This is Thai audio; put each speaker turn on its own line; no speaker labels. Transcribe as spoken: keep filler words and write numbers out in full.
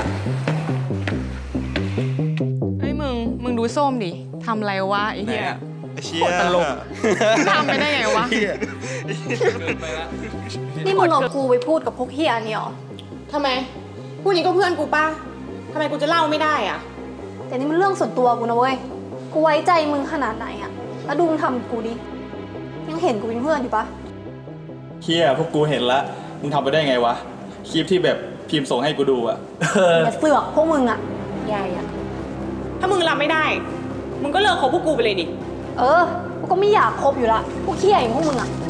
เฮ้ยมึงมึงดูส้มดิทำอะไรวะไอ้เหี้ย
เชี่ย
ตลกทำไปได้ไงวะ
นี่มึงเอากูไปพูดกับพวกเฮียนี่หรอ
ทำไมผู้นี้ก็เพื่อนกูป่ะทำไมกูจะเล่าไม่ได้อะ
แต่นี่มันเรื่องส่วนตัวกูนะเว้ย กูไว้ใจมึงขนาดไหนอะแล้วดูมึงทำกับกูดิ ยังเห็นกูเป็นเพื่อนอยู่ปะ
เฮียพวกกูเห็นละมึงทำไปได้ไงวะคลิปที่แบบพิมพ์ส่งให้กูดูอะ
อย่าเสือกพวกมึงอะ
ใหญ่อะถ้ามึงรับไม่ได้ มึงก็เลิกคบพวกกูไปเลยดิ
เออ กูก็ไม่อยากคบอยู่ละ พวกเฮียอย่างพวกมึงอะ